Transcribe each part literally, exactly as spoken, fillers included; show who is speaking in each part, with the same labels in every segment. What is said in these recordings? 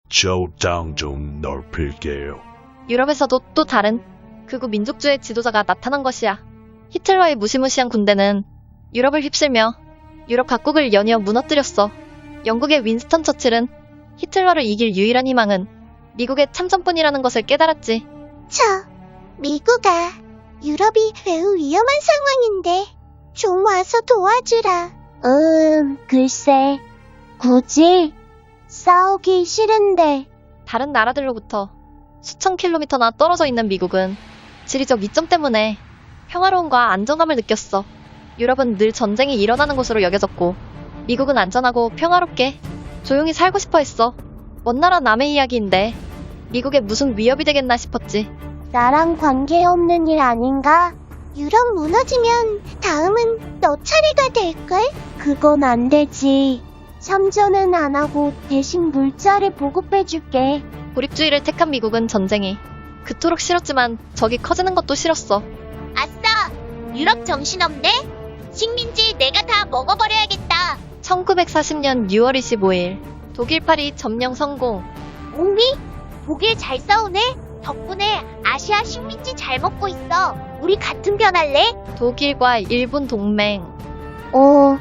Speaker 1: 저 땅 좀 넓힐게요.
Speaker 2: 유럽에서도 또 다른 극우 민족주의 지도자가 나타난 것이야. 히틀러의 무시무시한 군대는 유럽을 휩쓸며 유럽 각국을 연이어 무너뜨렸어. 영국의 윈스턴 처칠은 히틀러를 이길 유일한 희망은 미국의 참전뿐이라는 것을 깨달았지.
Speaker 3: 저, 미국아, 유럽이 매우 위험한 상황인데 좀 와서 도와주라. 음, 글쎄, 굳이 싸우기 싫은데.
Speaker 2: 다른 나라들로부터 수천 킬로미터나 떨어져 있는 미국은 지리적 이점 때문에 평화로움과 안정감을 느꼈어. 유럽은 늘 전쟁이 일어나는 곳으로 여겨졌고 미국은 안전하고 평화롭게 조용히 살고 싶어 했어. 먼 나라 남의 이야기인데 미국에 무슨 위협이 되겠나 싶었지.
Speaker 3: 나랑 관계없는 일 아닌가? 유럽 무너지면 다음은 너 차례가 될걸? 그건 안 되지. 참전은 안 하고 대신 물자를 보급해줄게.
Speaker 2: 고립주의를 택한 미국은 전쟁이 그토록 싫었지만 적이 커지는 것도 싫었어.
Speaker 3: 아싸! 유럽 정신없네? 식민지 내가 다 먹어버려야겠다.
Speaker 2: 천구백사십 년 유월 이십오일 독일 파리 점령 성공.
Speaker 3: 옹미? 독일 잘 싸우네? 덕분에 아시아 식민지 잘 먹고 있어. 우리 같은 편 할래?
Speaker 2: 독일과 일본 동맹.
Speaker 3: 어,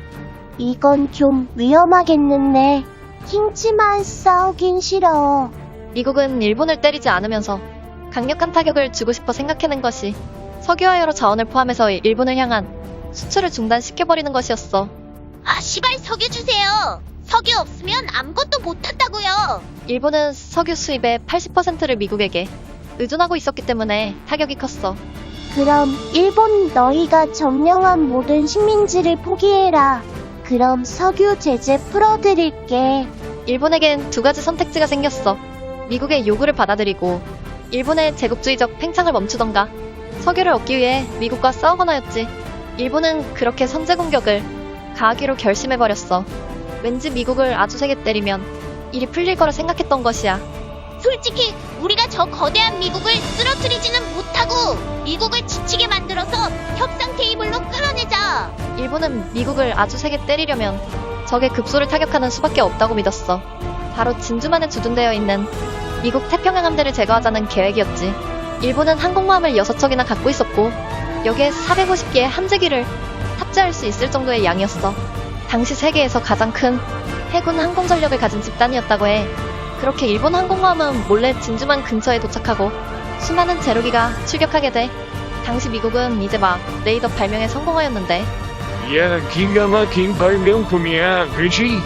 Speaker 3: 이건 좀 위험하겠는데. 킹치만 싸우긴 싫어.
Speaker 2: 미국은 일본을 때리지 않으면서 강력한 타격을 주고 싶어 생각해낸 것이 석유와 여러 자원을 포함해서 일본을 향한 수출을 중단시켜버리는 것이었어.
Speaker 3: 아, 시발 석유 주세요. 석유 없으면 아무것도 못한다고요.
Speaker 2: 일본은 석유 수입의 팔십 퍼센트를 미국에게 의존하고 있었기 때문에 타격이 컸어.
Speaker 3: 그럼 일본 너희가 점령한 모든 식민지를 포기해라. 그럼 석유 제재 풀어드릴게.
Speaker 2: 일본에겐 두 가지 선택지가 생겼어. 미국의 요구를 받아들이고 일본의 제국주의적 팽창을 멈추던가 석유를 얻기 위해 미국과 싸우거나였지. 일본은 그렇게 선제 공격을 가하기로 결심해버렸어. 왠지 미국을 아주 세게 때리면 일이 풀릴 거라 생각했던 것이야.
Speaker 3: 솔직히 우리가 저 거대한 미국을 쓰러뜨리지는 못하고 미국을 지치게 만들어서 협상 테이블로 끌어내자.
Speaker 2: 일본은 미국을 아주 세게 때리려면 적의 급소를 타격하는 수밖에 없다고 믿었어. 바로 진주만에 주둔되어 있는 미국 태평양 함대를 제거하자는 계획이었지. 일본은 항공모함을 여섯 척이나 갖고 있었고 여기에 사백오십 개의 함재기를 탑재할 수 있을 정도의 양이었어. 당시 세계에서 가장 큰 해군 항공 전력을 가진 집단이었다고 해. 그렇게 일본 항공모함은 몰래 진주만 근처에 도착하고 수많은 제로기가 출격하게 돼. 당시 미국은 이제 막 레이더 발명에 성공하였는데.
Speaker 4: 야, 기가 막힌 발명품이야, 그치?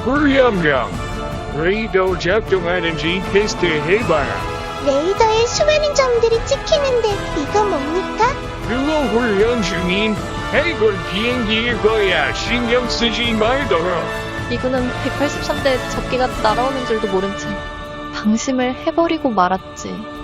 Speaker 4: 불량량. 레이더 작동하는지 테스트해봐라.
Speaker 3: 레이더에 수많은 점들이 찍히는데 이거 뭡니까?
Speaker 4: 그거 훈련 중인 해군 비행기일 거야. 신경 쓰지 말도록.
Speaker 2: 미군은 백팔십삼 대 적기가 날아오는 줄도 모른 채 방심을 해버리고 말았지.